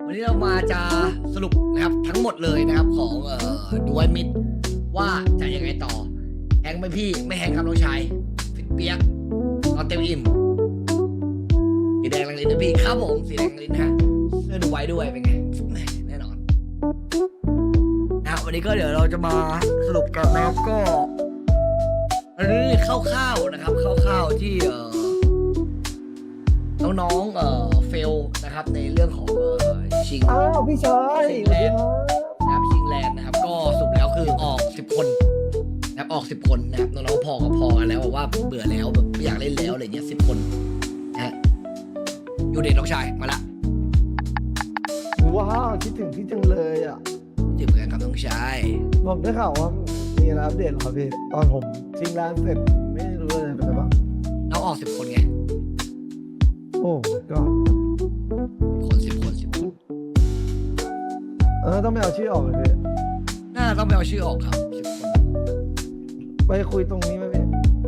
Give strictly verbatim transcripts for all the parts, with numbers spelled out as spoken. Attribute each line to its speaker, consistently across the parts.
Speaker 1: วันนี้เรามาจะสรุปนะครับทั้งหมดเลยนะครับของเอ่อดูไวมิดว่าจะยังไงต่อแฮงไหมพี่ไม่แฮงครับน้องชายฟิตเปียกนอนเต็มอิ่มสีแดงลังลิ้นนะพี่ครับผมสีแดงลังลิ้นนะฮะเสื้อดูไว้ด้วยเป็นไงแน่นอนนะวันนี้ก็เดี๋ยวเราจะมาสรุปกันนะครับก็อันนี้คร่าวๆนะครับคร่าวๆที่เอ่อน้องๆเอ่อเฟลนะครับในเรื่องของเอ่อชิง
Speaker 2: อ้าวพี่ชาย
Speaker 1: ชิงแลนด์นะครับชิงแลนด์นะครับก็สรุปแล้วคือออกสิบคนนะครับออกสิบคนนะครับน้องๆพอก็พอกันแล้วบอกว่าเบื่อแล้วแบบไม่อยากเล่นแล้วอะไรเงี้ยสิบคนนะฮะยูเดชน้องชายมาละ
Speaker 2: ว้าวคิดถึงพี่จังเลยอ่ะ
Speaker 1: จิบเหมือนกันครับน้องชาย
Speaker 2: ผมได้ข่าวว่ามีอะไรอัปเดตเหรอครับพี่ตอนผมชิงร้านเสร็จไม่รู้เลยเป็นไงบ้าง
Speaker 1: น้องออกสิบคนไง
Speaker 2: โอ้ก็
Speaker 1: คนสิบคนสิบคน
Speaker 2: เออต้องไม่เอาชื่อออกเลยพี่
Speaker 1: น่าต้องไปเอาชื่อออกครับสิบคน
Speaker 2: ไปคุยตรงนี้ไหมพี่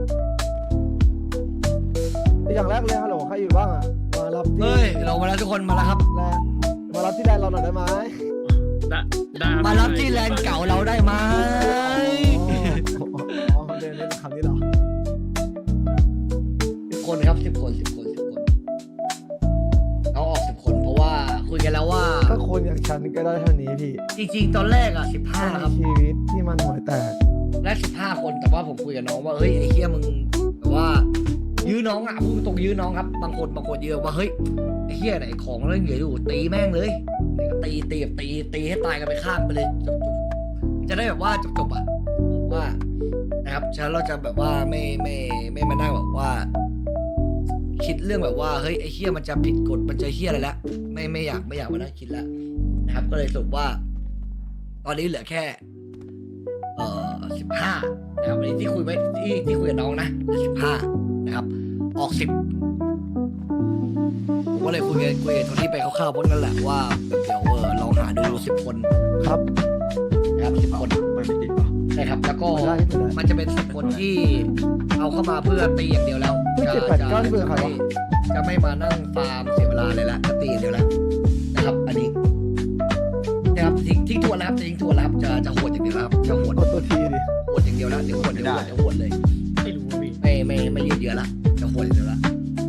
Speaker 2: อย่างแรกเลยฮัลโหลใครอยู่บ้างอ่ะมารับที่
Speaker 1: เฮ้ยเรามาแล้วทุกคนมาแล้วครับ
Speaker 2: แลนด์มารับที่แลนด์เราหน่อยได้ไหม
Speaker 3: ได้ได้
Speaker 1: มารับที่แลนด์เก่าเราได้ไหม
Speaker 2: อ๋ออ๋อเดินเล่นคำนี้เหรอ
Speaker 1: สิบคนครับสิบคนสิบคนสิบคนน้องออกสิบคนเพราะว่าคุยกันแล้วว่า
Speaker 2: ถ้าคนอย่างฉันก็ได้เท่านี้พี่
Speaker 1: จริงๆตอนแรกอ่ะสิบห้าครับ
Speaker 2: ชีวิตที่มันหัวแตก
Speaker 1: แรกสิบห้าคนแต่ว่าผมคุยกับน้องว่าเฮ้ยไอ้เฮียมึงแบบว่ายื้อน้องอ่ะพูดตรงยื้อน้องครับบางคนบางคนยื้อว่าเฮ้ยไอ้เฮียไหนของเรื่องเหลืออยู่ตีแม่งเลยตีตีแบบตีตีให้ตายกันไปข้างไปเลยจบๆจะได้แบบว่าจบๆอ่ะว่านะครับฉะนั้นเราจะแบบว่าไม่ไม่ไม่มานั่งแบบว่า คิดเรื่องแบบว่าเฮ้ยไอ้เฮียมันจะผิดกฎมันจะเฮียอะไรละไม่ไม่อยากไม่อยากมานั่งคิดละนะครับ ก็เลยสรุปว่า ตอนนี้เหลือแค่ เอ่อสิบห้านะครับวันนี้ที่คุยไว้ที่ที่คุยกับน้องนะสิบห้านะครับ ออกสิบผมก็เลยคุยกันคุยกับโทนี่ไปคร่าวๆเพราะนั่นแหละว่าแบบเดี๋ยวเออลองหาดูสิบคน
Speaker 2: ครับ
Speaker 1: นะครับสิบคน
Speaker 3: ไม่ไม่ติดป่ะ
Speaker 1: ใช่ครับ แล้วก็
Speaker 2: ไม่ได้ไม่ได้
Speaker 1: มันจะเป็นสิบคนที่เอาเข้ามาเพื่อตีอย่างเดียวแล้ว
Speaker 2: ไม่เจ็ดแปดเก้าที่เบอร์ใครวะ
Speaker 1: จะไม่มานั่งฟาร์มเสียเวลาเลยละจะตีอย่างเดียวแล้วนะครับ อันนี้นะครับทิ้งทิ้งทวนแล้วครับจะทิ้งทวนแล้วครับจะจะโหดอย่างเดียวแล้วครับจะโหด
Speaker 2: กดตัวทีดิ
Speaker 1: โหดอย่างเดียวแล้วเดี๋ยวโหดเดี๋ยวโหดเดี๋ยวโหดเลย
Speaker 3: ไม่รู้พี่
Speaker 1: ไม่ไม่ไม่ยืดเยื้อละจะโหดอย่างเดียวละ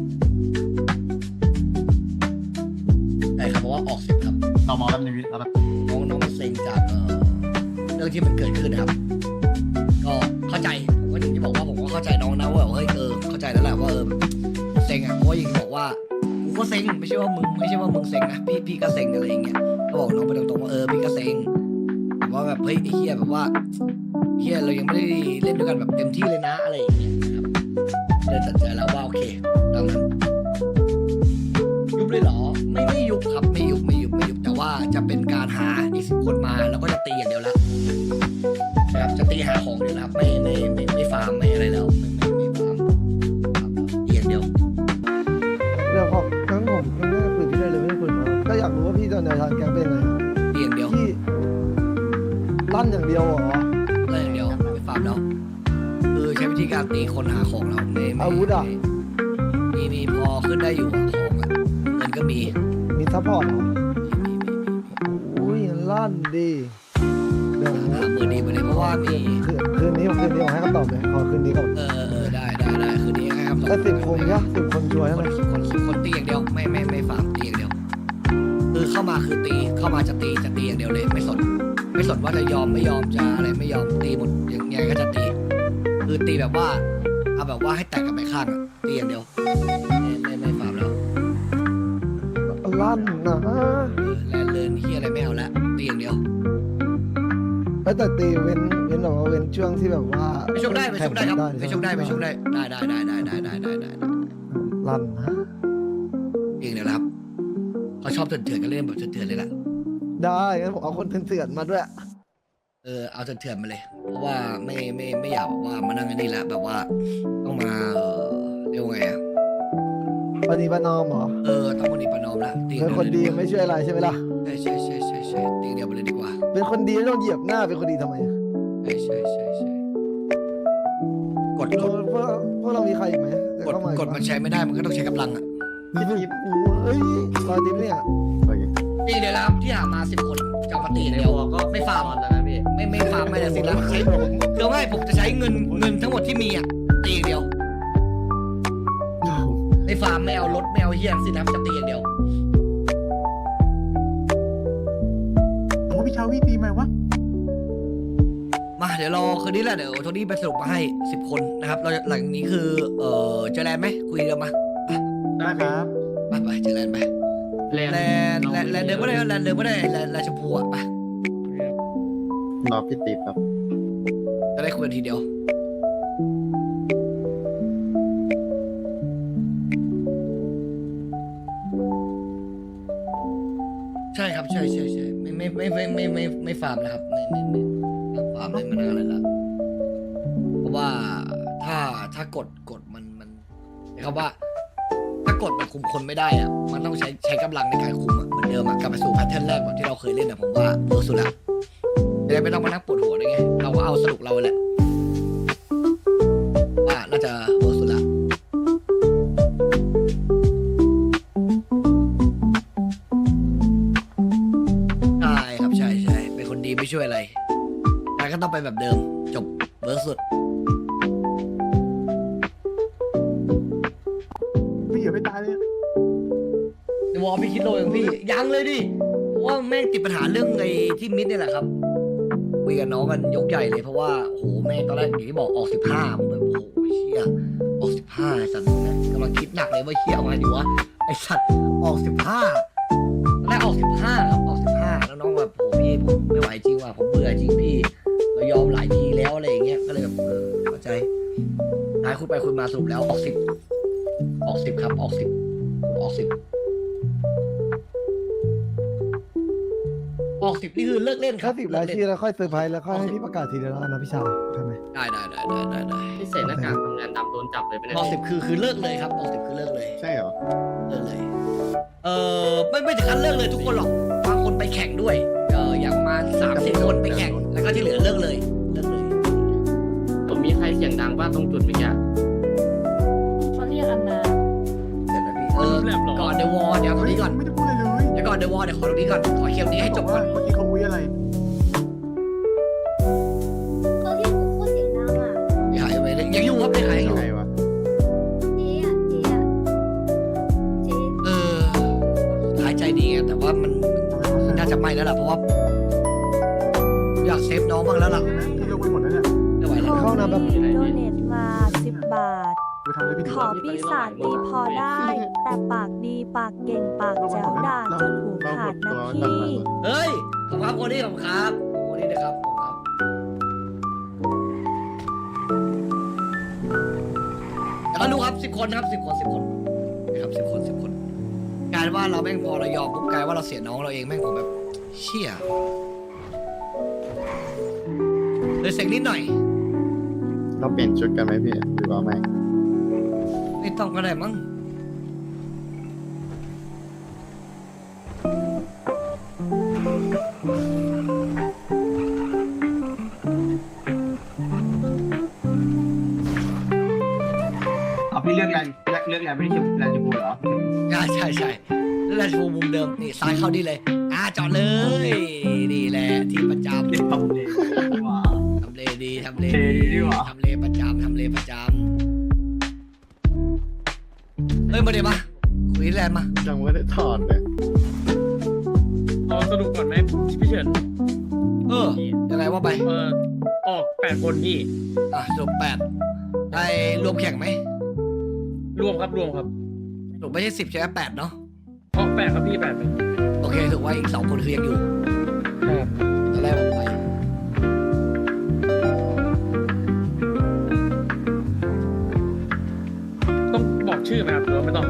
Speaker 1: ใช่ครับเพราะว่าออกสิบครับ
Speaker 3: เรามองแล้วในวิทย์แล้วแบบ
Speaker 1: น้องน้องมันเซ็งจากเอ่อเรื่องที่มันเกิดขึ้นนะครับ ก็เข้าใจผมก็อย่างที่บอกว่าผมก็เข้าใจน้องนะว่าแบบเฮ้ยเออเข้าใจแล้วแหละว่าเออเซ็งอ่ะเพราะว่าอย่างที่บอกว่ากูก็เซ็งไม่ใช่ว่ามึงไม่ใช่ว่ามึงเซ็งนะพี่พี่ก็เซ็งอะไรอย่างเงี้ยก็บอกน้องไปตรงๆว่าเออพี่ก็เซ็งแบบว่าแบบเฮ้ยไอ้เหี้ยแบบว่าเหี้ยเรายังไม่ได้เล่นด้วยกันแบบเต็มที่เลยนะอะไรอย่างเงี้ยนะครับเลยตัดใจแล้วว่าโอเคตามนั้นยุบเลยเหรอไม่ไม่ยุบครับไม่ยุบไม่ยุบไม่ยุบแต่ว่าจะเป็นการหาอีกสิบคนมาแล้วก็จะตีอย่างเดียวแล้วนะครับจะตีหาของเดียวนะครับไม่ไม่ไม่ไม่ฟาร์มไม่อะไรแล้วไม่ไม่ไม่ฟาร์มครับตีอย่างเดียว
Speaker 2: เรื่องของนั้นผมก็ไม่ได้คุยพี่ได้เลยไม่ได้คุยมาก็อยากรู้ว่าพี่ตอนในทางแกงเป็นไง
Speaker 1: ตีอย่างเดียว
Speaker 2: พี่ลั่นอย่างเดียวเหรอ
Speaker 1: ตีอย่างเดียวไม่ฟาร์มแล้วคือใช้วิธีการตีคนหาของเราไม่ไม่
Speaker 2: อาวุธอ่ะ
Speaker 1: มีมีพอขึ้นได้อยู่อะของอะเงินก็มี
Speaker 2: มีซัพพอร์ตเหรอ
Speaker 1: มีมีมีมี
Speaker 2: อุ้ยลั่นดีเดี๋ยว
Speaker 1: หามือดีมาเลยเพราะว่ามี
Speaker 2: คืนคืนนี้ผมคืนนี้ผมให้คำตอบเลยขอคืนนี้ก่อน
Speaker 1: เออเออได้ได้ได้คือนี้ให้คำตอบ
Speaker 2: แต่สิบคนเนี่ยสิบคนช่วย
Speaker 1: ค
Speaker 2: ใช่ไหม
Speaker 1: นคนคนตีอย่างเดียวไม่ไม่ไม่ฟาร์มตีอย่างเดียวคือเข้ามาคือตีเข้ามาจะตีจะตีอย่างเดียวเลยไม่สนไม่สนว่าจะยอมไม่ยอมจะอะไรไม่ยอมตีหมดยังไงก็จะตี คือตีแบบว่าเอาแบบว่าให้แตกกันไปข้างอะตีอย่างเดียวไม่ไม่ไม่ฟาร์มแล้ว
Speaker 2: ลั่นนะ
Speaker 1: เออแลนเลินเฮียอะไรไม่เอาละตีอย่างเดียว
Speaker 2: แต่ตีเว้นเว้นแบบว่าเว้นช่วงที่แบบว่า
Speaker 1: ไปชกได้ไปชกได้ครับไปชกได้ไปชก
Speaker 2: ได้
Speaker 1: ได้ได้ได้ได้ได้ได้ได้ได้ได้
Speaker 2: ลั่นนะ
Speaker 1: เองเดี๋ยวนะครับเขาชอบเถื่อนๆกันเล่นแบบเถื่อนๆเลยแหละ
Speaker 2: ได้งั้นผมเอาคนเถื่อนๆมาด้วย
Speaker 1: เออเอาเถื่อนๆมาเลย เพราะว่าไม่ไม่ไม่อยากแบบว่ามานั่งอันนี้แล้วแบบว่าต้องมาเออเรียกว่าไงอ่ะ
Speaker 2: ปณีประนอมเหรอ
Speaker 1: เออต้องวันนี้ประนอมละตี
Speaker 2: เป็นคนดีไม่ช่วยอะไรใช่ไหมล่ะ
Speaker 1: ใช่ใช่ใช่ใช่ใช่ตีเดียวไปเลยดีกว่า
Speaker 2: เป็นคนดีไม่ต้องเหยียบหน้าเป็นคนดีทำไม
Speaker 1: ใช่ใช่ใช่ใช่กด
Speaker 2: เรา
Speaker 1: กด
Speaker 2: พวกพวกเรามีใครอีกไหมจะ
Speaker 1: กด
Speaker 2: เข้ามาก
Speaker 1: ดมันใช้ไม่ได้มันก็ต้องใช้กำลังอ่ะ
Speaker 2: เฮ้ยรอยดิบเนี่ย
Speaker 3: ไป
Speaker 1: จตีเดียวแล้วครับที่หามาสิบคนจะเอามาตีเดียวก็ไม่ฟาร์ม
Speaker 4: แล้วนะพี่
Speaker 1: ไม่ไม่ฟาร์มไม่แต่สิแล้วใช้คือไม่ผมจะใช้เงินเงินทั้งหมดที่มีอ่ะตีอย่างเดียวไม่ฟาร์มไม่เอารถไม่เอาเฮียสินะจะตีอย่างเดียว
Speaker 5: โอ้พี่ชาวีตีไหมวะ
Speaker 1: มาเดี๋ยวรอคืนนี้แหละเดี๋ยวโทนี่ไปสรุปมาให้สิบคนนะครับเราหลังนี้คือเออเจอแลนด์ไหมคุยกันมา
Speaker 5: ได้ครับ
Speaker 1: ไปไปเจอแลนด์ไป
Speaker 3: แลน
Speaker 1: แลนด์แลนด์แลนด์เดินไม่ได้แลนด์เดินไม่ได้แลนด์แลนด์ชมพูอ่ะไป
Speaker 6: รอพี่ติ๊บครับ
Speaker 1: จะได้คุยกันทีเดียวใช่ครับใช่ใช่ใช่ไม่ไม่ไม่ไม่ไม่ไม่ไม่ฟาร์มนะครับไม่ไม่ไม่ฟาร์มเลยมานานเลยละเพราะว่าถ้าถ้ากดกดมันมันนะครับว่า ถ้ากดมันคุมคนไม่ได้อะมันต้องใช้ใช้กำลังในการคุมอะเหมือนเดิมอะกลับไปสู่แพทเทิร์นแรกแบบที่เราเคยเล่นอะผมว่าเวิร์กสุดละจะได้ไม่ต้องมานั่งปวดหัวด้วยไงเราก็เอาสนุกเราแหละว่าน่าจะเวิร์กสุดละใช่ครับใช่ใช่เป็นคนดีไม่ช่วยอะไรแต่ก็ต้องไปแบบเดิมจบเวิร์กสุด
Speaker 5: พี่อย่าไปตายเลย
Speaker 1: ในวอลพี่คิดโลเองพี่ยังเลยดิเพราะว่าแม่งติดปัญหาเรื่องไอ้ที่มิดเนี่ยแหละครับคุยกับน้องกันยกใหญ่เลยเพราะว่าโหแม่งตอนแรกอย่างที่บอกออกสิบห้าผมแบบโอ้โหเชี่ยออกสิบห้าสัตว์นะกำลังคิดหนักเลยว่าเชี่ยเอาไงดีวะไอสัตว์ออกสิบห้าตอนแรกออกสิบห้าครับออกสิบห้าแล้วน้องแบบโหพี่ผมไม่ไหวจริงว่ะผมเบื่อจริงพี่เรายอมหลายทีแล้วอะไรอย่างเงี้ยก็เลยแบบเออเข้าใจท้ายคุยไปคุยมาสรุปแล้วออกสิบออกสิบครับออกสิบออกสิบ ออกสิบนี่คือเลิกเล่นค
Speaker 2: ถ้า
Speaker 1: รับ
Speaker 2: สิบรายชื่อแล้วค่อยเซอร์ไพรส์แล้วค่อยให้พี่ประกาศทีเดียวแล้วกันนะพี่ชายใช่ไหม
Speaker 1: ได้ได้ได้ได้ได้ได้
Speaker 4: พี่เศษหน้ากากทำงานดำโดนจับเลยไปไหน
Speaker 1: ออกสิบคือคือเลิกเลยครับออกสิบคือเลิกเลย
Speaker 6: ใช่เหรอ
Speaker 1: เลิกเลย เออไม่ไม่ถึงขั้นเลิกเลยทุกคนหรอกบางคนไปแข่งด้วยเอออย่างมาสามสี่คนไปแข่งแล้วก็ที่เหลือเลิกเลยเลิกเลย
Speaker 4: ผมมีใครเสียงดังบ้างตรงจุดเมื่อกี้
Speaker 7: เขาเรียกอันนา
Speaker 1: เดี๋ยวนะพี่เออก่อนเดวอเดี๋ยวตรงนี้ก่อน
Speaker 5: ไม่ได้พูดอะไรเลย
Speaker 1: เดี๋ยวก่อนเดวอเดี๋ยวขอตรงนี้ก่อนขอเคลียร์ตรงนี้ให้จบก่อน
Speaker 5: เมื่อกี้เขาคุยอะไร
Speaker 7: เขาเรียกกูโคตรเสียงดังอ่ะ
Speaker 1: ไม่ขายไปเลยยังอยู่ครับไม่ขายยังอยู่
Speaker 6: ใครวะ
Speaker 7: เจ๊อ่ะเจ๊อ่ะเจ๊
Speaker 1: เออขายใจดีไงแต่ว่ามันมันน่าจะไม่แล้วล่ะเพราะว่าอยากเซฟน้องบ้างแล้วล่ะ
Speaker 5: พี่ลงไปหมดแล้วเนี่ย
Speaker 1: ไม่ไหวแล้ว
Speaker 2: เข้าน้ำแบบ
Speaker 8: โดเนทมาสิบบาท
Speaker 5: ไปทำอะไรพี่
Speaker 8: ขอปีศาจดีพอได้ แต่ปากดีปากเก่งปากแจ๋วด่าจนหู
Speaker 6: เรา
Speaker 8: ขา
Speaker 6: หม
Speaker 8: ด
Speaker 6: ด
Speaker 8: นะ
Speaker 6: ตัว
Speaker 8: พี่
Speaker 6: กันมา
Speaker 1: เฮ้ย ขอบคุณครับโคดี้ขอบคุณครับโคดี้นะครับขอบคุณครับแล้วก็รู้ครับสิบคนนะครับสิบคนสิบคนนะครับสิบคนสิบคนกลายว่าเราแม่งพอเรายอมปุ๊บกลายว่าเราเสียน้องเราเองแม่งผมแบบเชี่ยเลยเซ็งนิดหน่อย
Speaker 6: เราเปลี่ยนชุดกันไหมพี่หรือว่าไม่
Speaker 1: ไม่ต้องก็ได้มั้ง
Speaker 3: เอาพี่เลือกแลนเลือกเลือกแลนไม่ได้ชื่อแลนจูบูเหรอ
Speaker 1: ใช่ใช่ใช่แล้วเราจะมุมเดิมนี่ซ้ายเข้านี่เลยอ่าจอดเลยนี่แหละที่ประจำ
Speaker 3: เล่นทำเลยว้า
Speaker 1: ทำเลดีทำเล
Speaker 3: เท่ดี
Speaker 1: ดี
Speaker 3: ว่ะ
Speaker 1: ทำเลประจำทำเลประจำเฮ้ยมาเดี๋ยวมาคุยแลนด์มา
Speaker 6: ยังไม่ได้ถอดเลย
Speaker 3: เอาสรุปก่อนไหมพี่เฉิน
Speaker 1: เออยังไงว่าไป
Speaker 3: เออออกแปดคนพี่
Speaker 1: อ่ะจบแปดได้รวมแข่งไหม
Speaker 3: รวมครับรวมครับ
Speaker 1: จบไม่ใช่สิบใช่ไหมแปดเนาะ
Speaker 3: ออกแปดครับพี่แปดเลย
Speaker 1: โอเคถือว่าอีกสองคนคือยังอยู่
Speaker 3: ครับ
Speaker 1: ตอนแรกผมไป
Speaker 3: ต้องบอกชื่อไหมครับหรือว่าไม่ต้อง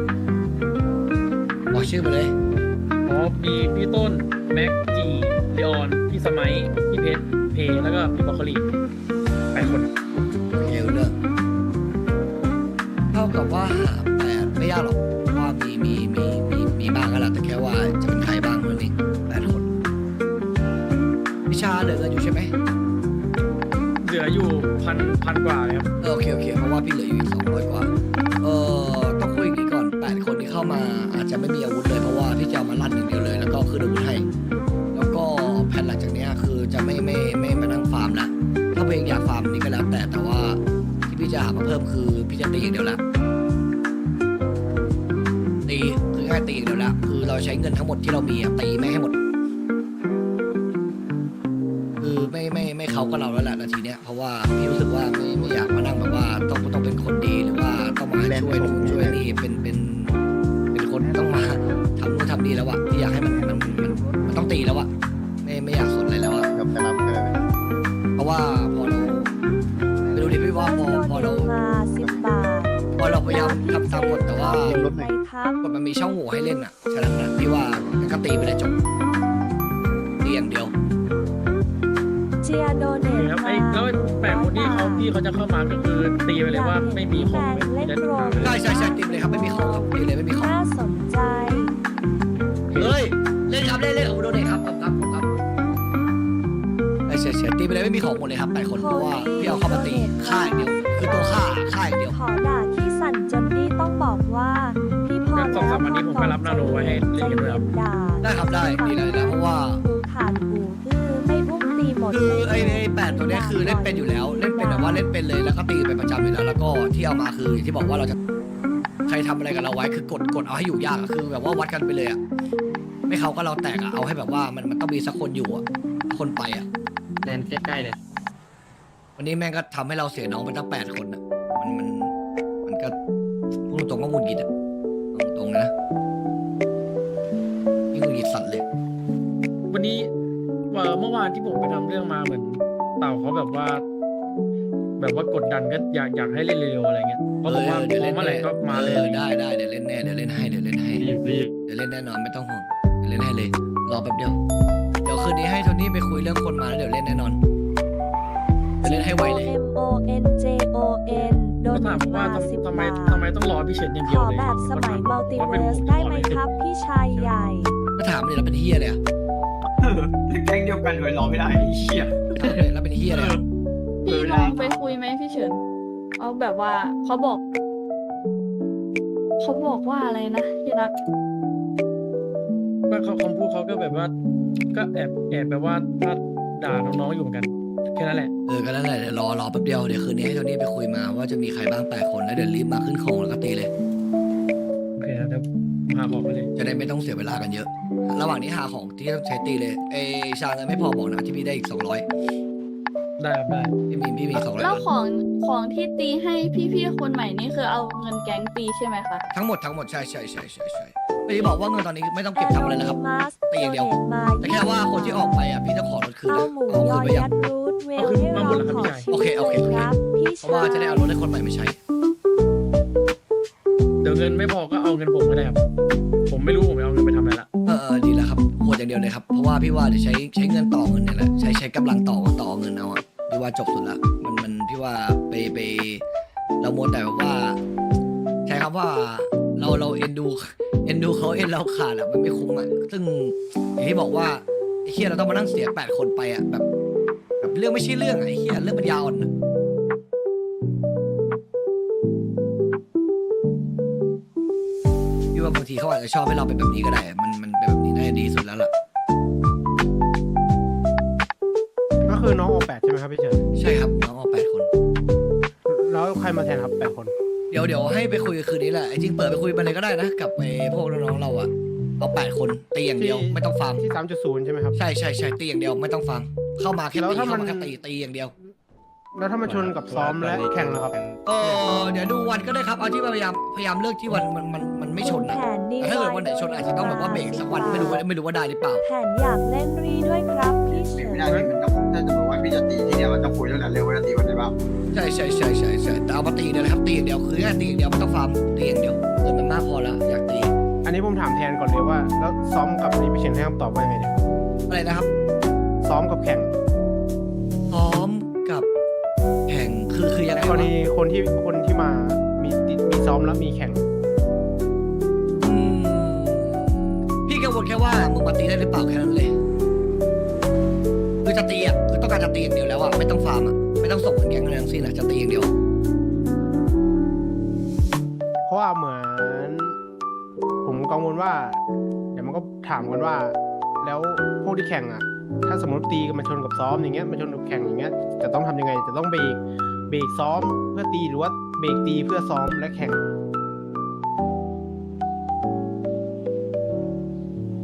Speaker 1: บอกชื่อไปเลย
Speaker 3: อ๋อมีพี่ต้นแม็กจีเลออนพี่สมัยพี่เพชรเพแล้วก็พี่บอคคลีแปดคน
Speaker 1: โอเคเรื่องเท่ากับว่าหาแปดไม่ยากหรอกเพราะว่ามีมีมีมีมีบ้างก็แหละแต่แค่ว่าจะเป็นใครบ้างเท่านั้นเองแปดคนวิชาเหลือเงินอยู่ใช่ไหม
Speaker 3: เหลืออยู่พันพันกว่าเลยครับ
Speaker 1: เออโอเคโอเคเพราะว่าพี่เหลืออยู่อีกสองร้อยกว่าเออต้องคุยอย่างนี้ก่อนแปดคนที่เข้ามาอาจจะไม่มีอาวุธเลยเพราะว่าพี่จะเอามาลั่นอย่างเดียวเลยแล้วก็ขึ้นเงินทั้งหมดที่เรามีอะตีแม่งให้หมดคือไม่ไม่ไม่เขาก็เราแล้วแหละนาทีเนี้ยเพราะว่าพี่รู้สึกว่าไม่ไม่อยากมานั่งแบบว่าต้องต้องเป็นคนดีหรือว่าต้องมาช่วยนู่นช่วยนี่เป็นเป็นเป็นคนต้องมาทำนู่นทำนี่แล้วอะที่อยากให้มันมันมันมันต้องตีแล้วอะไม่ไม่อยากสนอะไรแล้วอะ
Speaker 6: เดี๋ยวไปรับกันเลย
Speaker 1: เพราะว่าพอเราไม่รู้ดิพี่ว่าพอพอเรา
Speaker 8: มาสิบบาท
Speaker 1: พอเราพยายามทำตามกฎแต่ว่า
Speaker 8: ไหมครับ
Speaker 1: กฎมันมีช่องโหว่ให้เล่นอ่ะฉะนั้นนะพี่ว่าก็ตีไปเลยจบตีอย่างเดียว
Speaker 8: เชียร์โดเนท
Speaker 3: ครับ
Speaker 8: มา
Speaker 3: ไอ้แล้วไอ้แปดคนที่เขาที่เขาจะเข้ามาก็คือตีไปเลยว่าไม่มีของไม่มี
Speaker 8: เล่น
Speaker 3: เล่น
Speaker 8: โรม
Speaker 1: ใช่ใช่ใช่ตีไปเลยครับไม่มีของครับตีเลยไม่มีของ
Speaker 8: น่าสนใจ
Speaker 1: เฮ้ยเล่นครับเล่นเล่นของโดนเองครับครับครับครับไอ้เฉยเฉยตีไปเลยไม่มีของหมดเลยครับแปดคนเพราะว่าพี่เอาเข้ามาตีฆ่าอย่างเดียวคือตัวฆ่าฆ่าอย่างเดียว
Speaker 8: ขอด่าที่สั่นจนนี่ต้องบอกว่า พี่พอ
Speaker 3: สองสามวันนี้ผมก็รับนาโนไว้ให้เล่นกันด้วยครับ
Speaker 8: ด่า
Speaker 1: ได้ครับได้ดีเลยนะเพราะว่า
Speaker 8: หูขาดหูอื้อไม่อุ้มตีหมด
Speaker 1: คือไอ้ไอ้แปดตัวเนี้ยคือเล่นเป็นอยู่แล้วเล่นเป็นแบบว่าเล่นเป็นเลยแล้วก็ตีเป็นประจำอยู่แล้วแล้วก็ที่เอามาคืออย่างที่บอกว่าเราจะใครทำอะไรกับเราไว้คือกดกดเอาให้อยู่ยากอะคือแบบว่าวัดกันไปเลยอะไม่เขาก็เราแตกอะเอาให้แบบว่ามันมันต้องมีสักคนอยู่อะคนไปอะ
Speaker 4: แลนใกล้ๆเลย
Speaker 1: วันนี้แม่งก็ทำให้เราเสียน้องไปตั้งแปดคนอะมันมันมันก็พูดตรงๆก็หงุดหงิดอะเอาตรงๆนะยิ่งหงุดหงิดสัตว์เลย
Speaker 3: วันนี้เอ่อเมื่อวานที่ผมไปทำเรื่องมาเหมือนเต่าเขาแบบว่า แบบว่ากดดันก็อยากอยากให้เล่นเร็วๆอะไรเงี้ยเพราะผมว่าพร้อมเมื่อไหร่ก็มาเลย
Speaker 1: ออได้ได้เดี๋ยวเล่นแน่เดี๋ยวเล่นให้เดี๋ยวเล่นให้
Speaker 4: รีบรีบ
Speaker 1: เดี๋ยวเล่นแน่นอนไม่ต้องห่วงเดี๋ยวเล่นให้เลยรอแป๊บเดียวเดี๋ยวคืนนี้ให้โทนี่ไปคุยเรื่องคนมาแล้วเดี๋ยวเล่นแน่นอนเดี๋ยวเล่นให้ไวเลย
Speaker 8: M O N J O N โด
Speaker 3: ก็
Speaker 8: น
Speaker 3: ถามว่า
Speaker 8: มาสิบ
Speaker 3: ทำไม
Speaker 8: บาท
Speaker 3: ทำไมต้องรอพี่เฉินอย่าง
Speaker 8: ข
Speaker 3: เดียว
Speaker 8: อ
Speaker 3: เลย
Speaker 8: แบบสมัยมัลติ
Speaker 3: ว่า
Speaker 8: เวิ
Speaker 3: เป็น
Speaker 8: ร์
Speaker 3: ผ
Speaker 8: ส
Speaker 3: ม
Speaker 8: ได้ไหมครับ พี่ชายใหญ่
Speaker 1: ก็ถามเลยเราเป็นเฮียเลยอะ
Speaker 9: แก๊งเดียวกันเลยรอไม่ได้ไอ้เหี้ย
Speaker 1: ถามเลยเราเป็นเฮียเลยอะ
Speaker 10: พี่ลองไปคุยไหมพี่เฉินเอาแบบว่าเขาบอก เขาบอกว่าอะไรนะที่รัก
Speaker 3: ว่าเขาคำพูดเขาก็แบบว่า ก็แอบแอบแบบว่าถ้าด่าน้องๆอยู่เหมือนกันแค่นั้นแหละ
Speaker 1: เออก็นั่นแหละเดี๋ยวรอรอแป๊บเดียวเดี๋ยวคืนนี้ให้โทนี่ไปคุยมาว่าจะมีใครบ้างแปดคนแล้วเดี๋ยวรีบมาขึ้นของแล้วก็ตีเลย
Speaker 3: โอเคนะเดี๋ยวหาของไปเลย
Speaker 1: จะได้ไม่ต้องเสียเวลากันเยอะ ระหว่างนี้หาของที่ต้องใช้ตีเลยเอชาเงินไม่พอบอกนะที่พี่ได้อีกสองร้อย
Speaker 3: ได้ครับได้
Speaker 1: พี่มีพี่มีสองร้อย
Speaker 10: แล้วของของที่ตีให้พี่ๆคนใหม่นี่คือเอาเงินแก๊งตีใช่ไหมคะ
Speaker 1: ทั้งหมดทั้งหมดใช่ใช่ใช่ใช่ใช่ไม่ได้บอกว่าเงินตอนนี้ไม่ต้องเก็บทำอะไรแล้วครับ ตีอย่างเดียว แต่แค่ว่าคนที่ออกไปอ่ะพี่จะขอรถคืน
Speaker 8: เอา
Speaker 1: นะ
Speaker 8: หมู
Speaker 1: เอา
Speaker 8: ย
Speaker 1: คื
Speaker 8: อน
Speaker 1: ไปยั
Speaker 8: ยั
Speaker 1: ง
Speaker 8: ดรูทเวลให้เราขอชิม
Speaker 1: โอเคโอเค
Speaker 8: เลยครับพี่
Speaker 1: เพราะว่าจะได้เอารถให้คนใหม่มาใช้
Speaker 3: เดี๋ยวเงินไม่พอก็เอาเงินผมก็ได้ครับผมไม่รู้ผมจะเอาเงินไปทำอะไรละ
Speaker 1: เออเออดีแล้วครับโหดอย่างเดียวเลยครับเพราะว่าพี่ว่าเดี๋ยวใช้ใช้เงินต่อเงินเนี่ยแหละใช้ใช้กำลังต่อต่อเงินเอาอ่ะพี่ว่าจบสุดละมันมันพี่ว่าไปไปเราโมวแต่แบบว่าใช้คำว่าเราเราเอ็นดูเอ็นดูเขาเอ็นเราขาดอ่ะมันไม่คุ้มอ่ะซึ่งอย่างที่บอกว่าไอ้เฮียเราต้องมานั่งเสียแปดคนไปอ่ะแบบแบบเรื่องไม่ใช่เรื่องอะไอ้เฮียเรื่องมันยาวอ่อนอะพี่ว่าบางทีเขาอาจจะชอบให้เราเป็นแบบนี้ก็ได้อะมันมันเป็นแบบนี้น่าจะดีสุดแล้วล่ะ
Speaker 5: ก็คือน้องโอแปดใช่ไหมครับพี่เฉิน
Speaker 1: ใช่ครับน้องเอาแปดคน
Speaker 5: แล้วใครมาแทนครับแปดคน
Speaker 1: เดี๋ยวเดี๋ยวให้ไปคุยคืนนี้แหละไอ้จริงเปิดไปคุยไปเลยก็ได้นะกับไอ้พวกน้องๆเราอะเอาแปดคนตีอย่างเดียวไม่ต้องฟาร์ม
Speaker 5: ที่ สามจุดศูนย์ ใช่ไหมครับ
Speaker 1: ใช่ใช่ใช่ตีอย่างเดียวไม่ต้องฟาร์มเข้ามาแค่
Speaker 5: แล้ว
Speaker 1: ตี
Speaker 5: ถ้า
Speaker 1: เข้า
Speaker 5: มัน
Speaker 1: มาแค่ตีตีอย่างเดียว
Speaker 5: แล้วถ้ามันชนกับซ้อมและแข่งนะครับ
Speaker 1: เออเดี๋ยวดูวันก็ได้ครับเอาที่พยายามพยายามเลือกที่วันมันมันมันไม่ชนนะ
Speaker 8: แผนดี
Speaker 1: แต่ถ้าเกิดวันไหนชนอาจจะต้องแบบว่าเบรกสักวันไม่รู้ว่าไม่รู้ว่าได้หรือเปล่า
Speaker 8: แผนอยากเล่นรีด้วยครับพี่เฉิ
Speaker 9: ไม่
Speaker 8: น
Speaker 9: ได้พี่มันต้องถ้าจะบอกว่าพี่จะตีที่เนี่ยมันต้องคุยแล้วแหละเร็วว่าจะตีวันไหนบ้าง
Speaker 1: ใช่ใช่ใช่ใช่ใช่แต่เอามาตีเนี่ยแหละครับตีอย่างเดียวคือแค่ตีอย่างเดียวไม่ต้องฟาร์มตีอย่างเดียวเงินมันมากพอแล้วอยากตี
Speaker 5: อันนี้ผมถามแทนก่อนเลยว่า แล้วซ้อมกับนี่พี่เฉินให้คำตอบว่ายังไงเนี่ย
Speaker 1: อะไรนะครับ
Speaker 5: ซ้อมกับแข่ง
Speaker 1: ซ้อมกับแข่งคือคือยังไง
Speaker 5: กร
Speaker 1: วะ
Speaker 5: ณีคนที่คนที่มามีติดมีซ้อมแล้วมีแข่ง
Speaker 1: อืมพี่กังวลแค่ว่ามึงมาตีได้หรือเปล่าแค่นั้นเลยคือจะตีอ่ะคือต้องการจะตีอย่างเดียวแล้วอ่ะไม่ต้องฟาร์มอ่ะไม่ต้องส่งเงินแก๊งอะไรทั้งสิ้นอ่ะจะตีอย่างเดียว
Speaker 5: เพราะว่าเหมือนผมกังวลว่า เดี๋ยวมันก็ถามกันว่า แล้วพวกที่แข่งอ่ะ ถ้าสมมติตีกันมาชนกับซ้อมอย่างเงี้ยมาชนกับแข่งอย่างเงี้ยจะต้องทำยังไงจะต้องเบรกเบรกซ้อมเพื่อตีหรือว่าเบรกตีเพื่อซ้อมและแข่ง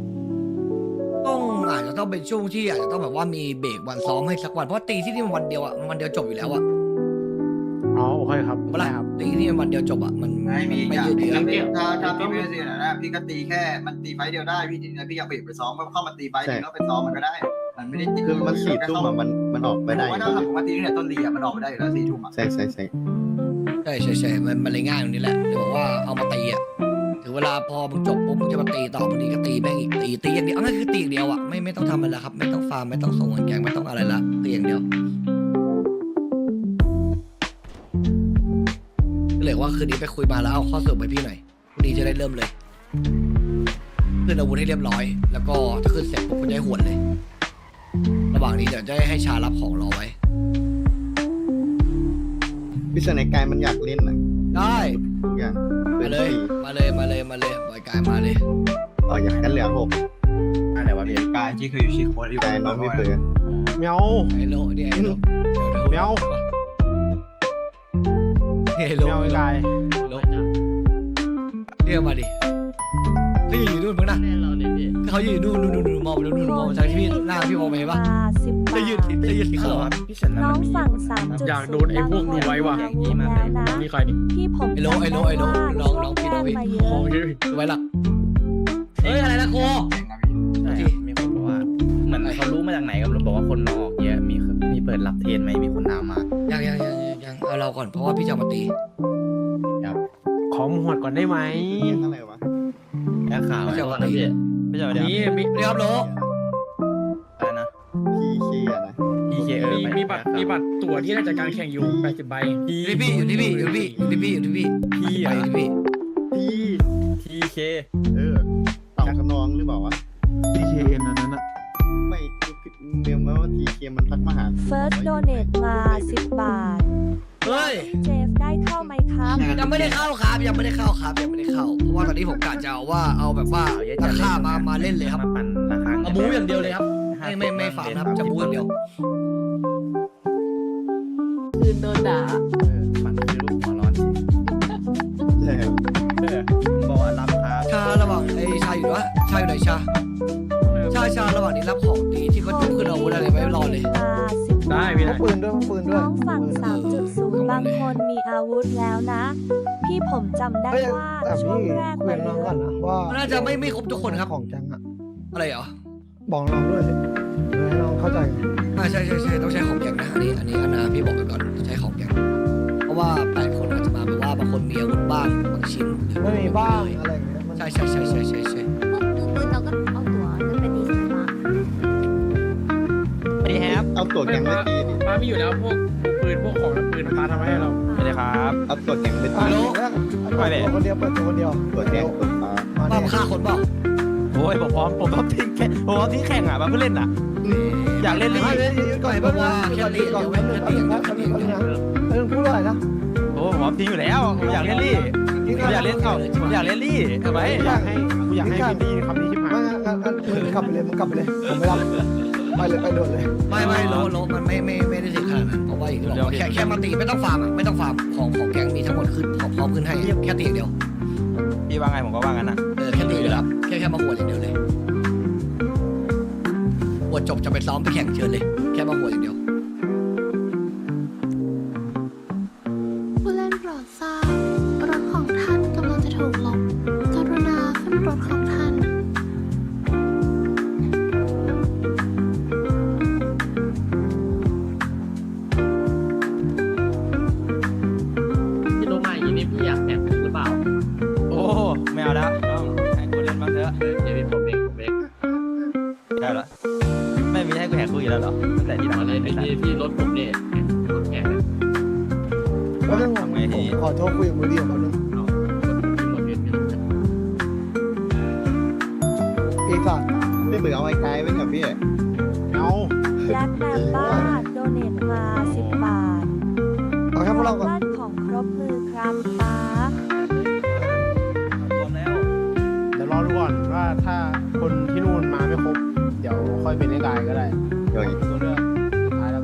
Speaker 1: อาจจะต้องเป็นช่วงที่อาจจะต้องแบบว่ามีเบรกวันซ้อมให้สักวันเพราะตีที่นี่มันวันเดียวอะมันวันเดียวจบอยู่แล้วอะ
Speaker 5: อ๋อโอเคครับ
Speaker 1: เวลา
Speaker 5: ได้ครับ
Speaker 1: ตีที่นี่มันวันเดียวจบอะมัน
Speaker 9: ไม่มี
Speaker 1: ไม่
Speaker 9: อย่าง
Speaker 1: ยืดเยื้อ
Speaker 9: พี่ถ้าถ้าพี่ไม่ได้สินะนะพี่ก็ตีแค่มันตีไฟเดียวได้พี่ทีนี้พี่อยากไปไปซ้อมก็เข้ามาตีไฟนึงแล้วไปซ้อมมันก็ได้ มันไม่ได้ติด
Speaker 6: คือมันสี่ทุ่มอะมันมันออกไปได้
Speaker 9: ผมว่าถ้าผมว่าตีนี่เนี่ยต้นลีอ่ะมันออกไปได้อยู่แล้วสี่ทุ่มอ่ะ
Speaker 6: ใช่ใช่ใช่
Speaker 1: ใช่ใช่ใช่มันมันเลยง่ายตรงนี้แหละเดี๋ยวบอกว่าเอามาตีอะถึงเวลาพอมึงจบปุ๊บมึงจะมาตีต่อบางทีก็ตีแม่งอีกตีตีอย่างเดียวเอาง่ายคือตีอย่างเดียวอะไม่ไม่ต้องทำอะไรแล้วครับไม่ต้องฟาร์มไม่ต้องส่งเงินแกงไม่ต้องอะไรละตีอย่างเดียวก็เลยว่าคืนนี้ไปคุยมาแล้วเอาข้อสรุปไปพี่หน่อยพรุ่งนี้จะได้เริ่มเลยขึ้นอาวุธให้เรียบร้อย แล้วก็ถ้าขึ้นเสร็จปุ๊บก็จะให้หวนเลย ระหว่างนี้เดี๋ยวจะให้ชารับของรอไว้
Speaker 6: พี่เสนกายมันอยากเล่นนะ
Speaker 1: ได้
Speaker 6: ทุกอย่าง
Speaker 1: มาเลย มาเลยมาเลยมาเลยบอยกายมาเลย
Speaker 6: อ๋ออยากกันเหลือหก
Speaker 9: อะไรวะพี่กายที่เคยอยู่ชิโคอยู่
Speaker 6: กายน้องไม่เปิด
Speaker 5: เมียว
Speaker 1: ไอโลเนี่ยไอโล
Speaker 5: เมียว
Speaker 1: ไอโล
Speaker 5: เมียวไอ้กาย
Speaker 1: โลเรียกมาดิเขาอยู่นู่นมึงนะ
Speaker 4: แน่เราเนี่ยพี่
Speaker 1: เขาอยู่นู่นนู่นนู่นมองไปนู่นนู่นมองจากที่พี่หน้าพี่มองไปเห็นปะ
Speaker 8: สิบบา
Speaker 1: จะ
Speaker 8: ท
Speaker 1: ยืดจะยืดสีขาวอะ
Speaker 8: น้องสั่งสามจุด
Speaker 3: อยากโดนไอ้พวกนี้ไว้ว่ะ
Speaker 8: บางคนมีอาวุธแล้วนะ
Speaker 3: นี่ใครนี่
Speaker 8: พี่ผม
Speaker 1: ไอโลไอโลไอโลน้องน้องพี่น้องพี่
Speaker 8: มาเย
Speaker 3: ขอ
Speaker 8: อะ
Speaker 3: งเยอะ
Speaker 1: ดูไว้หลักเฮ้ยอะไรนะโค
Speaker 11: ใช่ครับมีคนบอกว่า เหมือนเขารู้มาจากไหนก็ไม่รู้บอกว่าคนมาออกเยอะ มีมีเปิดรับเทรนไหมมีคนถามมา
Speaker 1: ยังยังยังยังยังเอาเราก่อนเพราะว่าพี่จะเอามาตี
Speaker 5: ขอหมวดก่อนได้ไหม
Speaker 6: เท่าไหร่วะ
Speaker 11: แค่ข่าว
Speaker 1: พี่จะเอามาตี
Speaker 11: ไม่ใช่เดี๋ยว
Speaker 3: มีมี
Speaker 1: เรียบโล
Speaker 11: อะไรนะ
Speaker 6: พีเคอะนะ
Speaker 11: พีเคเออ
Speaker 3: มีมีบัตรมีบัตรตั๋วที่น่าจะการแข่งอยู่แปดสิบใบ
Speaker 1: อยู่ที่พี่อยู่ที่พี่อยู่ที่พี่อยู่ที่พี่อยู่ที่พี่
Speaker 11: พี
Speaker 1: ไปอยู่ที่พี่
Speaker 6: พี
Speaker 11: ทีเค
Speaker 6: เออเต่าขนองหรือเปล่าวะ
Speaker 2: พีเคเอ็นอันนั้นอะ
Speaker 6: ไม่เมียมาว่าทีเคมันทักมาหา
Speaker 8: เฟิร์สโดเนทมาสิบบาท
Speaker 1: เฮ้ย
Speaker 8: เจฟได้เข้าไหมครับ
Speaker 1: ยังไม่ได้เข้าครับยังไม่ได้เข้าครับยังไม่ได้เข้าเพราะว่าตอนนี้ผมกะจะเอาว่าเอาแบบว่าราคามามาเล่นเลยครับ
Speaker 11: มาปั่นราคา
Speaker 1: เอาบู๊อย่างเดียวเลยครับไม่ไม่ไม่ฝากครับจะบู๊อย่างเดียว
Speaker 10: คืนโดนด่า
Speaker 11: เออปั่นคือลูกหัวร้อน
Speaker 6: ใช่
Speaker 11: เออบอกว่ารับครับ
Speaker 1: ชาระหว่างไอ้ชาอยู่วะชาอยู่ไหนชาชาชาระหว่างนี้รับของดีที่เขาจุกขึ้นอาวุธอะไรไว้รอเลย
Speaker 8: มาสิบ
Speaker 3: ได้พี่
Speaker 2: พ
Speaker 3: ได้
Speaker 2: กปืนด้วยพกปืนด้วย
Speaker 8: น้องฝั่งสามจุดศูนย์บางคนมีอาวุธแล้วนะ พี่ผมจำได้
Speaker 2: เฮ้ย
Speaker 8: ว่า
Speaker 2: แต่
Speaker 8: ช่ว
Speaker 2: พี่
Speaker 8: งแรก
Speaker 2: คุยกับน้องก่อนนะว่า
Speaker 1: น่าจะไม่ไม่ครบทุกคนครับ
Speaker 2: ของแก๊งอะ
Speaker 1: อะไรเหรอ
Speaker 2: บอกน้องด้วยเพื่อให้น้องเข้าใจ
Speaker 1: อ่าใช่ใช่ใช่ต้องใช้ของแกงนะอันนี้อันนี้อันนะพี่บอกไปก่อนใช้ของแกงเพราะว่าแปดคนอาจจะมาแบบว่าบางคนมีอาวุธบ้างบางชิ้นหรือ
Speaker 2: ไม่มีบ้างอะไรอย่างเงี้ยมัน
Speaker 1: ใช่ใช่ใช่ใช่ใช่ใช่
Speaker 7: พวกมือปืนเราก็เอาตัวนั้นไปดีมา
Speaker 11: สวัสดีครับ
Speaker 6: เอาตัวแกงไปตีดิ
Speaker 3: ป้ามีอยู่แล้วพวกปืนพวกของปืนป้าทำให้เรา
Speaker 11: สวัสดีครับ
Speaker 6: เอาตัวแกงไป
Speaker 2: อ่ะ
Speaker 6: ตี
Speaker 2: เปิดตัวคนเดียวเปิดตัวคนเดียว
Speaker 6: ตัวแกงตัวฟ้า
Speaker 2: มา
Speaker 1: บ้า
Speaker 2: เนี่ย
Speaker 1: ฆ่าคนเปล่า
Speaker 11: โอ้ยผมพร้อมผมพร้อมทิ้งแข่งผมพร้อมทิ้งแข่งอ่ะมาเพื่อเล่นอ่ะ อยากเล่น
Speaker 2: ไม่
Speaker 11: ลี่
Speaker 2: ได้ยืนก่อนแป๊บนึงแค่ตีก่อนแป๊บนึงแป๊บนึงแป๊บนึงแป๊บนึงแป๊บนึงพูดอะไรนะ
Speaker 11: โอ้ผมพร้อมทิ้งอยู่แล้วผมอยากเล่นลี่ผมอยากเล่นเอ้าผมอยากเล่นลี่ทำไม
Speaker 5: กูอยากให้กูอยากให้พี่ดีคำนี้ชิบหาย
Speaker 2: ไม่งั้นงั้นงั้นมึงกลับไปเลยมึงกลับไปเลยผมไม่รับไปเลยไปโดดเลย
Speaker 1: ไม่ไม่โลโลมันไม่ไม่ไม่ได้ถึงขนาดนั้นเพราะว่าอย่างที่บอกว่าแค่แค่มาตีไม่ต้องฟาร์มอ่ะไม่ต้องฟาร์มของของแกงมีทั้งหมดขึ้นพร้อมขึ้นให้แค่ตีอย่างเดียว
Speaker 11: พี่ว่าไงผมก็ว่างั้นนะ
Speaker 1: เออแค่ตีเลยครับแค่แค่มาหัวอย่างเดียวเลยหัวจบจะไปซ้อมไปแข่งเชิญเลย แค่มาหัวอย่างเดียว
Speaker 7: ผู้เล่นโปรดทราบรถของท่านกำลังจะถูกลบกรุณาขึ้นรถของท่าน
Speaker 4: พี่รู้มาอย่างนี้นี่พี่อยากแข่งหรือเปล่า
Speaker 11: โอ้ไม่เอาแล้วต้องให้กูเล่นบ้างเถอะ
Speaker 4: เออเดี๋ยวพี่ผมเองผมเอง
Speaker 11: ได้เหรอไม่มีให้กูแหกคุยแล้วเหรอตั้งแต่ที่หลัง
Speaker 4: เอาเลยพี่พี่พี่รถผมเนี่ยรถแข่งเนี่ย
Speaker 2: แป๊บนึงผมขอโทษคุยกับมือดีของแป๊บนึง
Speaker 4: เอารถพี่หมดเงินพี่รถเนี่ย
Speaker 2: อีกสัตว์
Speaker 6: ไม่เบื่อเอาไอ้กายไว้กับพี่
Speaker 5: เอา
Speaker 8: แบล็กแมนบ้าโดเนทมาสิบบาท
Speaker 2: เอาแค่พวกเราก่อน
Speaker 8: บ้านของครบมือครับป้า
Speaker 11: รวมแล้ว
Speaker 5: เดี๋ยวรอดูก่อนว่าถ้าคนที่นู่นมาไม่ครบ เดี๋ยวค่อยเป็นไอ้กายก็ได้
Speaker 6: เฮ้ย
Speaker 5: ตัวเลือกสุดท้ายแล้วกัน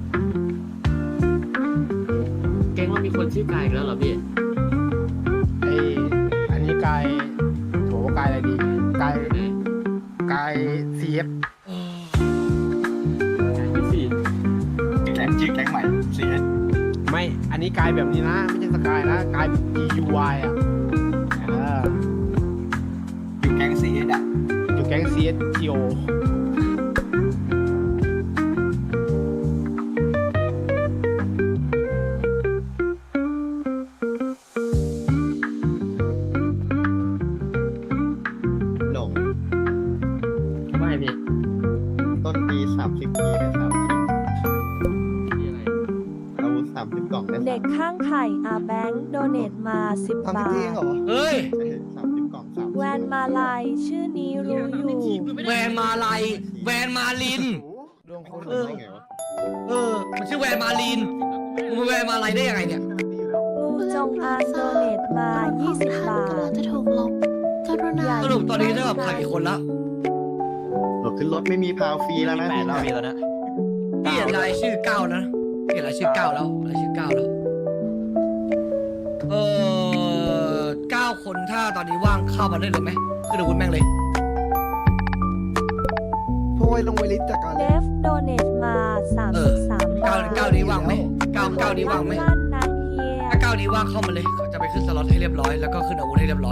Speaker 4: เก่งว่ามีคนชื่อกายอีกแล้วเหรอพี่
Speaker 5: ไออันนี้กายโถกายอะไรดีกาย
Speaker 4: ไหน
Speaker 5: กายซีเอฟ
Speaker 1: โอ้ย
Speaker 9: ชื่อแก๊งใหม่เสีย
Speaker 5: ไม่ อันนี้กลายแบบนี้นะ ไม่ใช่สกายนะกลาย G U Y อ่ะเออ
Speaker 9: อยู่แก๊งเสียอ่ะ
Speaker 5: อยู่แก๊ง C S G O
Speaker 6: หลง
Speaker 4: ไม่พี่
Speaker 6: ต้นปีสามสิบปีได้สามสิบ
Speaker 4: พี่อะไร
Speaker 6: อาวุธสามสิบกล่องได้
Speaker 8: เด็กข้างไข่อาแบงค์โดเนตมาสิบ
Speaker 2: ทำ
Speaker 8: บา
Speaker 2: ที่
Speaker 8: ท
Speaker 2: เองเหรอ
Speaker 1: เฮ้ย
Speaker 6: สามสิบกล่องสาม
Speaker 8: แวนมาลายชื่อนี้รู้อยู่
Speaker 1: แวนมาลายแวนมาลิน
Speaker 2: ดวงคน
Speaker 1: เออ
Speaker 6: ได้ไงวะ
Speaker 1: เออ มันชื่อแวนมาลินมึงแวนมาลายได้ยังไงเนี่ย
Speaker 8: งูจงอางโดเนตมายี่สิบบาท
Speaker 7: กำลังจะถูกลบกรุณา
Speaker 1: สรุปตอนนี้เท่ากับขาดกี่คนละ
Speaker 6: โหลดขึ้นรถไม่มีพาวฟรีแล้วนะ
Speaker 11: แปดรอบปีแล้วนะ
Speaker 1: พี่เห็นรายชื่อเก้านะพี่เห็นรายชื่อเก้าแล้วรายชื่อเก้าแล้ว เออเก้าคนถ้าตอนนี้ว่างเข้ามาได้เลยไหมคือเดี๋ยวคุณแม่งเลย
Speaker 2: พวกไอ้ลงไวลิสจากการ
Speaker 8: เลฟโดเนตมาสาม
Speaker 1: เอ
Speaker 8: สิ
Speaker 1: อบ
Speaker 8: สาม
Speaker 1: เก้า
Speaker 8: บาท
Speaker 1: เก้านี้ว่างไหมเก้าเก้านี้ว่างไหม
Speaker 8: ลั่นนะเฮีย
Speaker 1: ถ้าเก้านี้ว่างเข้ามาเลยเขาจะไปขึ้นสล็อตให้เรียบร้อยแล้วก็ขึ้นอาวุธให้เรียบร้อย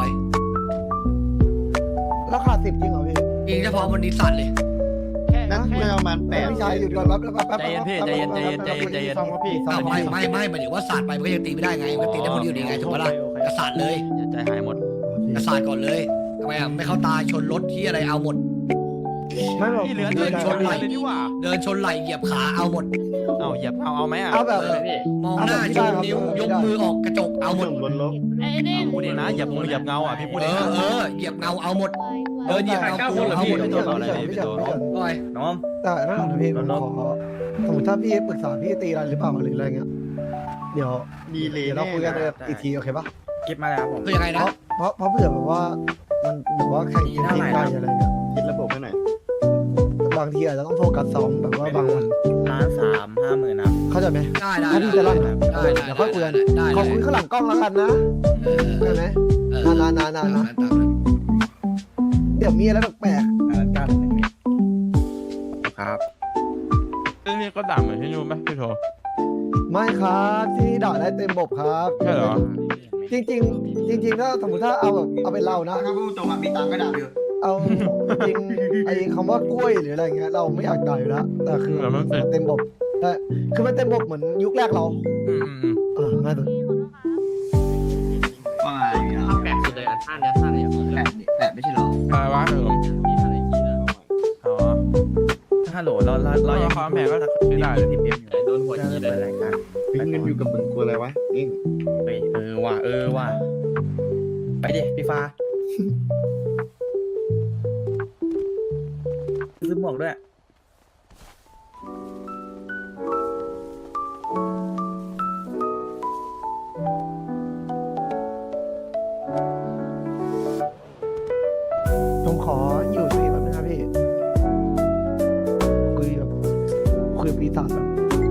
Speaker 2: ราคาสิบจริงเหรอพี่
Speaker 1: ยิงเฉพาะวันนี้สั่นเลย
Speaker 6: นั่นไม่ประมาณแปด
Speaker 2: พี่ชายหยุดก่อนแป๊บแป๊บแป๊บ
Speaker 11: ใจเย็นพี่ใจเย็นใจเย็นใจเย็นใจเย็น
Speaker 5: ซ่อมครับพี่
Speaker 1: อ้าวไม่ไม่ไม่หมายถึงว่าศาสตร์ไปมันก็ยังตีไม่ได้ไงมันก็ตีได้คนเดียวดีไงถูกปะล่ะกระสาดเลย
Speaker 11: อย่าใจหายหมด
Speaker 1: กระสาดก่อนเลยทำไมอ่ะไม่เข้าตาชนรถที่อะไรเอาหมด
Speaker 2: ไม่หรอก
Speaker 11: เหลือ
Speaker 1: เดินชนไหล่
Speaker 11: เลยดีกว่า
Speaker 1: เดินชนไหล่เหยียบขาเอาหมด
Speaker 11: เอาเหยียบเอาเอาไหมอ่ะ
Speaker 2: เอาแบบ
Speaker 1: เออ
Speaker 4: พี่
Speaker 1: มองหน้าชูนิ้วยกมือออกกระจกเอาหมด
Speaker 6: ส่งบนรถ
Speaker 10: ไอ้เด้ง
Speaker 11: พูดเองนะเหยียบมือเหยียบเงาอ่ะพี่พูด
Speaker 1: เอ
Speaker 11: เอง
Speaker 1: อ
Speaker 11: นะ
Speaker 1: เออเหยียบเงาเอาหมดเดินเหยียบเงากูเอาหมด
Speaker 2: ไม่เกี่ยวไม่เกี่ยวไม่เกี่ยวไม่เกี่ยว
Speaker 1: ก้อย
Speaker 11: น้อง
Speaker 2: แต่นั่นแหละพี่ผมขอสมมติถ้าพี่ปรึกษาพี่ตีอะไรหรือเปล่าหรืออะไรเงี้ยเดี๋ยว
Speaker 6: ดีเลย
Speaker 2: เดี๋ยวเราคุยกันอีกทีโอเคปะ
Speaker 11: เก็บมาแล้วครับผม
Speaker 1: คือยังไง
Speaker 2: เพ
Speaker 1: นะ
Speaker 2: ราะเพราะเพราะเผื่อแบบว่ามันแบบว่าแข่งกินทีมได้อะไรเงี้ย
Speaker 6: คิดระบบให้หน่อย
Speaker 2: บางทีอาจจะต้องโฟกัสซ้อมแบบว่าบางวัน
Speaker 11: ล้านสามห้าหมื่นนะ
Speaker 2: เข้าใจไหม
Speaker 1: ได้ได้
Speaker 2: ถ้าพี่จะลั่น
Speaker 1: ได้
Speaker 2: เอ
Speaker 1: ได้
Speaker 2: อเดี๋ยวค่อยคุยกัน
Speaker 1: ได้
Speaker 2: ขอคุยข้างหลังกล้องแล้วกันนะ
Speaker 1: เออ
Speaker 2: ได้ไหม
Speaker 1: เออน
Speaker 2: านนานนานนะ
Speaker 1: ตามนั้น
Speaker 2: เดี๋ยวมีอะไรแปลก
Speaker 11: ล้านเก้าหนึ่งครับ
Speaker 12: เรื่องนี้ก็ด่าเหมือนที่นู่นไหมพี่โท
Speaker 2: ๆไม่ครับที่ด่าได้เต็มบบครับ
Speaker 12: ใช่เหรอ
Speaker 2: จริงจริงๆจริง ๆ ถ้าสมมติถ้าเอาแบบเอาเป็นเรานะ
Speaker 9: ถ้าพูดตรงอ่ะมีตังค์ก็ด่าอยู่
Speaker 2: เอาจริงไอ้คำว่ากล้วยหรืออะไรเงี้ยเราไม่อยากด่าอยู่แล้วแต่คือ
Speaker 12: เหมือนมันเป็น
Speaker 2: มันเต็มบบแต่คือมันเต็มบบเหมือนยุคแรกเรา
Speaker 12: อืมอืมอืม
Speaker 2: เออง่ายสุด
Speaker 9: ว่าไงเนี่ย
Speaker 4: ถ้าแปลกสุดเลยอันท่าเนี้ยท่าเนี้ย
Speaker 9: แปดแปดไม่ใช่เหรอ
Speaker 12: อะไรวะเออ
Speaker 4: พี่ท่าไหนจีนอะ
Speaker 11: อ๋อฮัลโหลเราเราเรายัง
Speaker 12: ความแม่ก็คือได้
Speaker 11: ที่เปียมอยู่
Speaker 4: โดนหัวจีนเล
Speaker 11: เปิด
Speaker 4: ย
Speaker 11: รายการ
Speaker 6: เฮ้ยเงินอยู่กับมึงกลัวอะไรวะเอง
Speaker 11: เฮ้ยเออว่ะเออว่ะไปดิพี่ฟ้าซื้อหมวกด้วย
Speaker 2: ผมขออยู่ตรงนี้แป๊บนึงครับพี่คุยแบบคุยกับปีศาจแบบ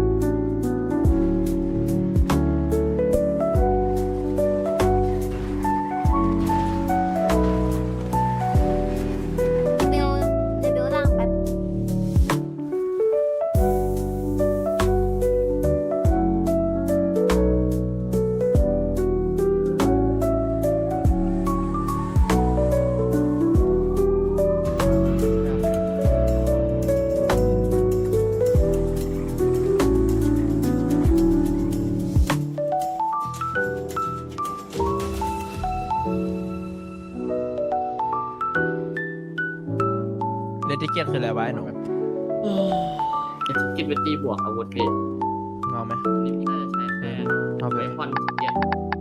Speaker 8: เบลเดี๋ยวเบลล่างแป๊บ
Speaker 12: เดนทิเกตคืออะไรวะไอ้หนู
Speaker 4: กินเป็นตีบวกอาวุธพี่
Speaker 12: เงาไหม
Speaker 4: นี่พี่น่าจะใช้แค่
Speaker 12: เอาไป
Speaker 4: เบคอนเกียร์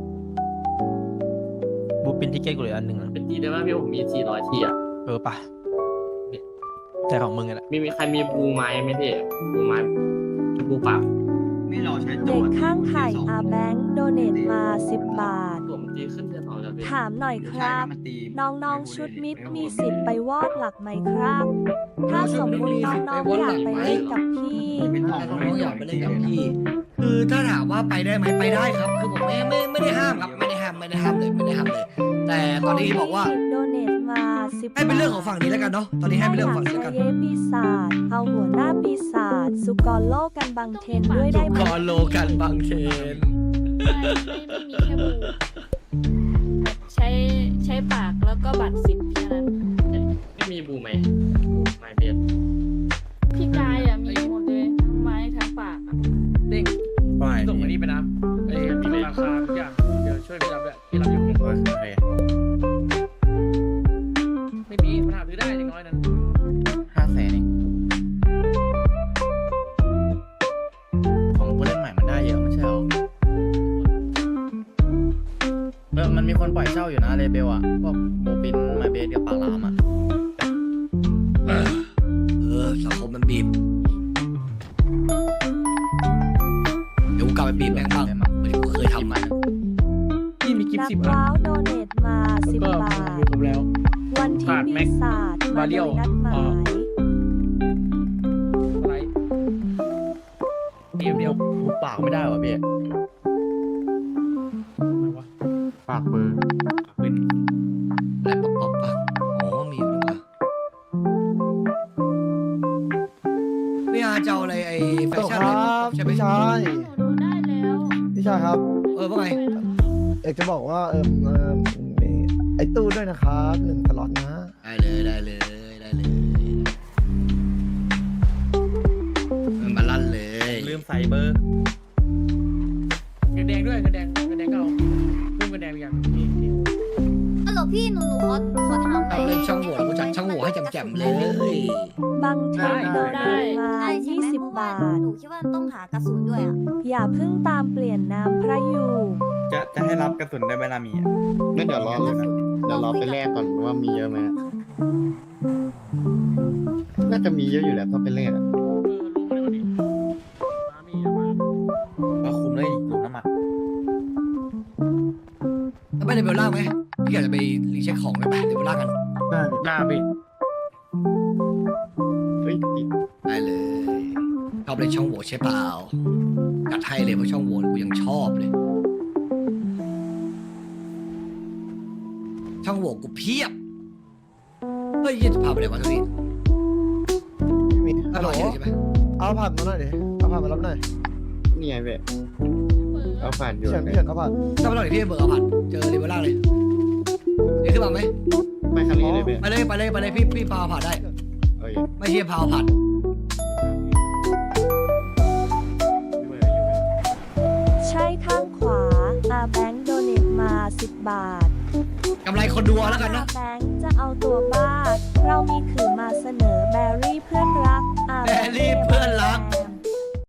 Speaker 12: บูปินทิเกตกูเหลืออันหนึ่งนะ
Speaker 4: เป็นตีได้ไหมพี่ผมมีสี่ร้อยทีอ่ะ
Speaker 12: เออปะแต่ของมึงไงแหละ
Speaker 4: มีมีใครมีบูไม้ไหมพี่บูไม้บูปาก
Speaker 9: ไม่รอใช้ตั
Speaker 8: เด็
Speaker 9: ว
Speaker 8: กข้างไข่อาแบงค์โดเนตมาสิบบาท
Speaker 4: ตัวมันตีขึ้นเดือนสองแล้วพี่
Speaker 8: ถามหน่อยครับ
Speaker 9: มันตี
Speaker 8: น้องๆชุดมิดมีสิทธิ์ไปวอดหลักไหมครับ ถ้าสมมุติน้องๆอยากไปเล่นกับพี่
Speaker 1: แต่น้องๆอยากไปเล่นกับพี่ คือถ้าถามว่าไปได้ไหมไปได้ครับ คือผมไม่ไม่ไม่ได้ห้ามครับ ไม่ได้ห้ามไม่ได้ห้ามเลยไม่ได้ห้ามเลย แต่ตอนนี้บอกว่า
Speaker 8: โดเนตมมาสิบ
Speaker 1: ให้เป็นเรื่องของฝั่งนี้แล้วกันเนาะตอนนี้ให้เป็นเรื่องของฝั่งนี้แล้วกัน
Speaker 8: เยปีศาจเอาหัวหน้าปีศาจสุกรโลกกันบังเทนด้วยได้ไหม
Speaker 1: กอโลกันบางเทน
Speaker 10: ไม่ไม่ไม่มีแค่บูแบบใช้ใช้ปากแล้วก็บัตรสิบแค่นั้น
Speaker 4: ไม่มีบูไหมบูไม่เบียด
Speaker 10: พี่กายอ่ะมีหมดเลยทั้งไม้ทั้งปากอะ
Speaker 3: เด้ง
Speaker 11: ว่าไง
Speaker 3: ส่งมา
Speaker 11: พี่
Speaker 3: นี่ไปนะไอ้มีราคาทุกอย่างเดี๋ยวช่วยพี่รับด้วยพี่รับอยู่
Speaker 11: โอเค
Speaker 3: ไม่มีมันหาซื้อได้อย่างน้อยนั้น
Speaker 11: ห้าแสนเองของผู้เล่นใหม่มันได้เยอะไม่ใช่หรอเออมันมีคนปล่อยเช่าอยู่นะเลเบลอะพวกโมปินมาเบสกับปากลามอะ
Speaker 1: เออสังคมมันบีบเดี๋ยวกูกลับไปบีบแม่งบ้างเหมือนที่กูเคยทำมา
Speaker 3: พี่มีกิฟ
Speaker 8: นั
Speaker 3: ต์
Speaker 8: ก
Speaker 3: สิบอัน
Speaker 8: ว้าวโดเนทมา
Speaker 3: แล้ว
Speaker 8: สิบ
Speaker 3: ก็
Speaker 8: บาท
Speaker 3: มีครบแล้ว
Speaker 8: วันที่
Speaker 3: ขาดแม็
Speaker 8: ปี
Speaker 3: ก
Speaker 8: ศาจมา
Speaker 3: บาเรี
Speaker 8: โด
Speaker 3: ยล
Speaker 8: ยนัดหมา
Speaker 3: อ่า
Speaker 8: ย
Speaker 3: อะไรเดียวเดียว
Speaker 11: หูปากไม่ได้วะพี่
Speaker 3: อะไรวะ
Speaker 5: ปากเบอร์
Speaker 11: ปืน
Speaker 1: อะไรป๊อปป๊อปปะอ๋อมีอยู่ด้วยวะพี่อาจะเอาอะไรไอ้แฟ
Speaker 2: โต
Speaker 1: ชั่น
Speaker 2: ค
Speaker 1: อะไร
Speaker 2: รั
Speaker 1: ป๊อป
Speaker 2: บ
Speaker 1: ๆใช่ไหม
Speaker 2: พี่ชาย
Speaker 10: หนูดูได้แล้ว
Speaker 2: พี่ชายครับ
Speaker 1: เออว่าไง
Speaker 2: เอกจะบอกว่าเออเออมีไอ้ตู้ด้วยนะครับหนึ่งสล็อตนะ
Speaker 1: ได้เลยได้เลยได้เลยมันมาลั่นเลย
Speaker 11: ลืมใส่เบอร์
Speaker 3: เงินแดงด้วยเงินแดงเงินแดงก็เอาเพิ่มเงินแดงอย่างนี่นี่
Speaker 7: ฮัลโหลพี่หนูหนูขอขอถามหน่อย
Speaker 1: ทำเลยช่างโหว่กูจัดช่างโหว่ให้แจ่มๆเลย
Speaker 8: บางเทนโดเนทมา
Speaker 7: ได้ใช่
Speaker 8: ยี่
Speaker 7: ไหม
Speaker 8: สิบ
Speaker 7: เพราะว่า
Speaker 8: บาท
Speaker 7: หนูคิดว่าต้องหากระสุนด้วยอ่ะ
Speaker 8: อย่าเพิ่งตามเปลี่ยนนามพระอยู่
Speaker 11: จะจะให้รับกระสุนได้ไหมล่ะมีอะ
Speaker 6: งั้นเดี๋ยวรอเลยนะเดี๋ยวรอไปแลกก่อนว่ามีเยอะไหมน่าจะมีเยอะอยู่แหละถ้าไปแลกอะ
Speaker 3: เออลงมาเลยดิมามีอะมา
Speaker 11: ก็คุมเลยหลุมน้ำมัน
Speaker 1: แล้วไปในเบลล่างไหมพี่อยากจะไปรีเช็คของได้ไหมเดี๋ยวเบลล่างกัน
Speaker 5: ได้
Speaker 3: หน้าพี่
Speaker 6: เฮ้ยติด
Speaker 1: ได้เลยชอบเล่นช่องโหว่ใช่เปล่าจัดให้เลยเพราะช่องโหว่กูยังชอบเลย ช่องโหว่กูเพียบเฮ้ยจะพาไปไหนวะทุกที
Speaker 2: มี
Speaker 1: อ
Speaker 2: ฮัลโหล
Speaker 1: ร่อยใช่ไหม
Speaker 2: เอาผ่านมาหน่อยดิเอาผ่านมารับหน่อย
Speaker 6: นี่ไงเว้ยเอาผ่านอ
Speaker 2: พี่
Speaker 6: ยู่
Speaker 2: เฉินพี่เฉินเอาผ่าน
Speaker 1: ถ้าไปหน่อยพี่เบิร์กเอาผัดเจอเลยเบลล่างเลยเดี๋ยวขึ้นมาไหม
Speaker 6: ไม่คันนี้เลยเว้ย
Speaker 1: ไปเลยไปเลยไปเลยพี่พี่พาผัดได้
Speaker 6: เอ้ย
Speaker 1: ไม่ใช่พาผัด
Speaker 8: ใช่ข้างขวาอาแบงค์โดเนทมาสิบบาท
Speaker 1: กำไรคนดูเอาแล้วกันนะ
Speaker 8: อาแบงค์จะเอาตัวบ้า เรามีขือมาเสนอ